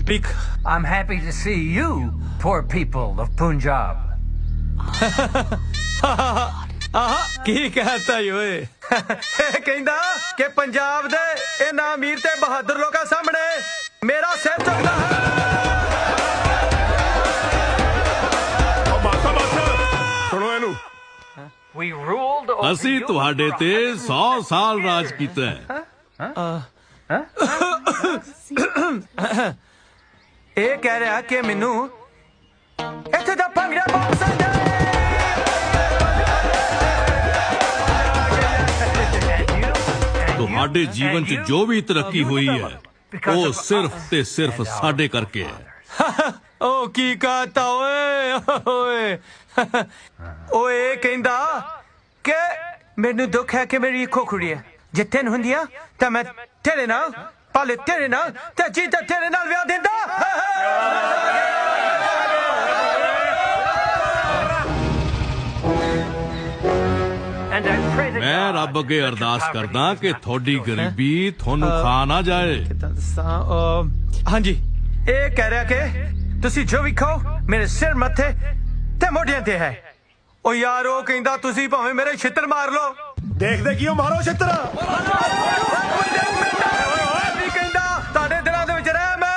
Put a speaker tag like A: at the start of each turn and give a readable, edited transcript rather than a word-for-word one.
A: I'm happy to see you, poor people of Punjab.
B: ਕੀ ਕਹਤਾ ਓਏ ਇਹ ਕਹਿੰਦਾ ਕਿ ਪੰਜਾਬ ਦੇ ਇਹਨਾਂ ਅਮੀਰ ਤੇ ਬਹਾਦਰ ਲੋਕਾਂ ਸਾਹਮਣੇ ਮੇਰਾ ਸਿਰ ਝੁਕਦਾ ਹੈ
C: ਸੁਣੋ ਇਹਨੂੰ
A: We ruled over
D: ਅਸੀਂ
A: you
D: ਤੁਹਾਡੇ ਤੇ 100 ਸਾਲ ਰਾਜ ਕੀਤਾ ਹੈ
B: ਇਹ ਕਹਿ ਰਿਹਾ ਕਿ ਮੈਨੂੰ ਇੱਥੇ ਦਾ ਭੰਗੜਾ ਬਹੁਤ ਪਸੰਦ ਹੈ
D: ਤੁਹਾਡੇ ਜੀਵਨ 'ਚ ਜੋ ਵੀ ਤਰੱਕੀ ਹੋਈ ਹੈ ਉਹ ਸਿਰਫ ਤੇ ਸਿਰਫ ਸਾਡੇ ਕਰਕੇ ਹੈ
B: ਓ ਕੀ ਕਹਤਾ ਓਏ ਓਏ ਕਹਿੰਦਾ ਕਿ ਮੈਨੂੰ ਦੁੱਖ ਹੈ ਕਿ ਮੇਰੀ ਖੋਖੜੀ ਹੈ ਜਿੱਥੇ ਨੂੰ ਹੁੰਦੀਆਂ ਤਾਂ ਮੈਂ ਤੇਰੇ ਨਾਲ ਪਾਲੇ ਤੇਰੇ ਨਾਲ ਤੇ ਜੀਤਾ ਤੇਰੇ ਨਾਲ ਵਿਆਹ ਦਿੰਦਾ
A: and I pray that
D: ਮੈਂ ਰੱਬ ਅੱਗੇ ਅਰਦਾਸ ਕਰਦਾ ਕਿ ਤੁਹਾਡੀ ਗਰੀਬੀ ਤੁਹਾਨੂੰ ਖਾ ਨਾ ਜਾਏ
B: ਹਾਂਜੀ ਇਹ ਕਹਿ ਰਿਹਾ ਕਿ ਤੁਸੀਂ ਜੋ ਵੀ ਖਾਓ ਮੇਰੇ ਸਿਰ ਮੱਥੇ ਤੇ ਮੋਢਿਆਂ ਤੇ ਹੈ ਉਹ ਯਾਰ ਉਹ ਕਹਿੰਦਾ ਤੁਸੀਂ ਭਾਵੇਂ ਮੇਰੇ ਛਿੱਤਰ ਮਾਰ ਲਓ
C: ਦੇਖਦੇ ਕਿਉਂ ਮਾਰੋ ਛਿੱਤਰ